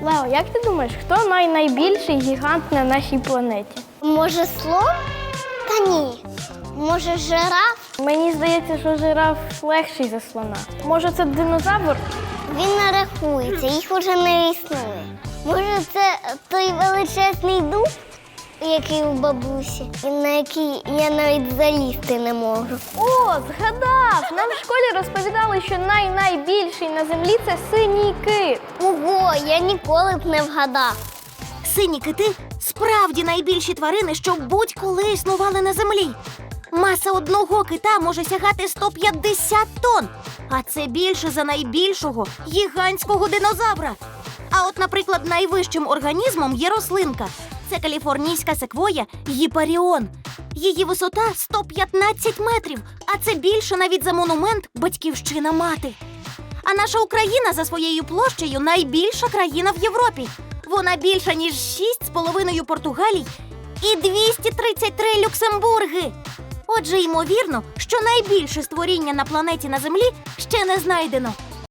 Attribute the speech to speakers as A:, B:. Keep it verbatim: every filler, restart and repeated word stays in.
A: Лео, як ти думаєш, хто най найбільший гігант на нашій планеті?
B: Може, слон? Та ні. Може, жираф?
A: Мені здається, що жираф легший за слона. Може, це динозавр?
B: Він не рахується, їх уже не існує. Може, це той величезний дуб, який у бабусі, і на який я навіть залізти не можу.
A: О, згадав! Нам в школі розповідали, що най-найбільший на землі – це синій кит.
B: Ого, я ніколи б не вгадав.
C: Сині кити – справді найбільші тварини, що будь-коли існували на землі. Маса одного кита може сягати сто п'ятдесят тонн, а це більше за найбільшого гігантського динозавра. А от, наприклад, найвищим організмом є рослинка. Це каліфорнійська секвоя гіпаріон. Її висота сто п'ятнадцять метрів, а це більше навіть за монумент «Батьківщина мати». А наша Україна за своєю площею найбільша країна в Європі. Вона більша, ніж шість з половиною Португалій і двісті тридцять три Люксембурги. Отже, ймовірно, що найбільше створіння на планеті на Землі ще не знайдено.